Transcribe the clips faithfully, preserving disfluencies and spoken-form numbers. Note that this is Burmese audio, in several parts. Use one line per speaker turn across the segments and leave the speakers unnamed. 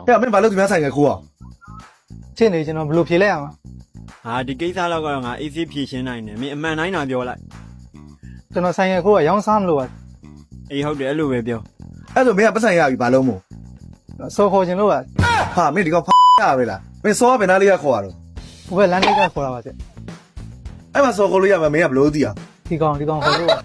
ဟဲ့မင်းဘာလို့ဒီများဆိုင်ကခိုးအောင်
ချင်းနေကျွန်တော်ဘယ်လိုဖြေလိုက်ရမှာ
ဟာဒီကိစ္စတော့ကတော့ငါအေးဆေးဖြေရှင်းနိုင်တယ်မင်းအမှန်တိုင်းသာပြောလိုက်
ကျွန်တော်ဆိုင်ရခိုးကရောင်းစားမလို့ပါ
အေးဟုတ်တယ်အဲ့လိုပဲပြော
အဲ့ဆိုမင်းကပတ်ဆိုင်ရပြီဘာလို့မို့
စောခေါ်ခြင်းလို့ပါ
ဟာမင်းဒီကောင်ဖရပဲလားမင်းစောကဘယ်နာလေးကခေါ်ရတော့
ဟိုဘက်လမ်းတိတ်ကခေါ်တာပါဗျ
အဲ့မှာစောခေါ်လို့ရမှာမင်းကဘလို့သိအောင်
ဒီကောင်ဒီကောင်ခေါ်လို့ပါ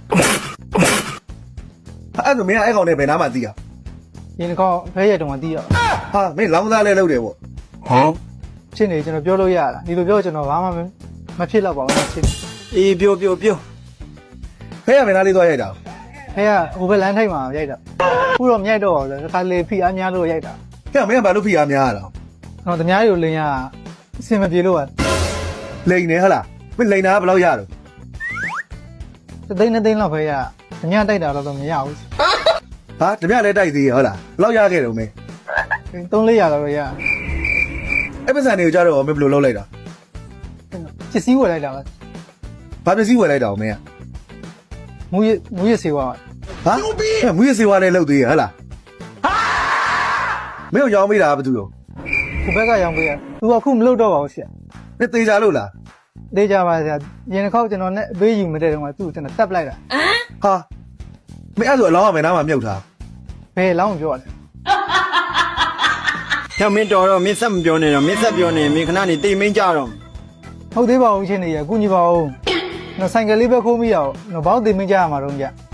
အဲ့ဆိုမင်းကအဲ့ကောင်နဲ့ဘယ်နာမှသိအောင်
ဒီကောင်ဖဲရတုံးကတီးရ
ဟာမင်းလောင်းသားလဲလုပ်တယ်ပေါ့
ဟမ်
ချင်းနေကျွန်တော်ပြောလို့ရတာဒီလိုပြောကျွန်တော်ဘာမှမဖြစ်တော့ပါဘူးချင်း
အေးပြောပြောပြော
ဖဲရဘယ်နာလေးသွားရိုက်တာ
ဖဲကဟိုဘက်လမ်းထိပ်မှာရိုက်တာခုတော့မြိုက်တော့တခါလေဖိအားများလို့ရိုက်တာ
ဟဲ့မင်းကဘာလို့ဖိအားများရတာ
ကျွန်တော်တမားတွေကိုလင်းရအစင်မပြေလို့ပါ
လိန်နေဟလားမင်းလိန်တာကဘယ်လောက်ရတော့
သသိန်းနှစ်သိန်းလောက်ဖဲရတမားတိုက်တာတော့မရဘူး
ဟာတပြက်လဲတိုက်သေးရဟုတ်လားဘယ်လောက်ရခဲ့တော့မင်း
သုံးလေးရတော့ရ
အဲ့ပတ်စံတွေကိုကြားတော့မင်းဘယ်လိုလုပ်လိုက်တာ
ပစ္စည်းဝယ်လိုက်တာပါ
ဘာပစ္စည်းဝယ်လိုက်တာမင်းက
မူရမူရစေဝါ
ဟာမူရစေဝါနဲ့လုပ်သေးရဟုတ်လားမင်းကိုရောင်းမိတာဘာတူရော
ဒီဘက်ကရောင်းပေးရသူကခုမလုပ်တော့ပါဘူးဆရာ
မင်းသေးကြလို့လား
သေးကြပါဆရာရင်တစ်ခေါက်ကျွန်တော်နဲ့အပေးယူမတဲ့တုန်းကသူ့ကိုကျွန်တော်တက်ပလိုက်တာ
ဟာမင်းအဲ့ဆိုအလောင်းကမယ်နားမှာမြုပ်ထား
ဘယ်လောင်းပြောတယ်
ဟဲ့မင်းတော်တော့မင်းဆက်မပြောနဲ့တော့မင်းဆက်ပြောနေမင်းခဏနေတိတ်မင်းကြတော့
ဟုတ်သေးပါဘူးချင်းနေရကုညီပါဦးကျွန်တော်ဆိုင်ကယ်လေးပဲခိုးမိရအောင်ကျွန်တော်ဘောက်တင်မကြရမှာတော့ကြ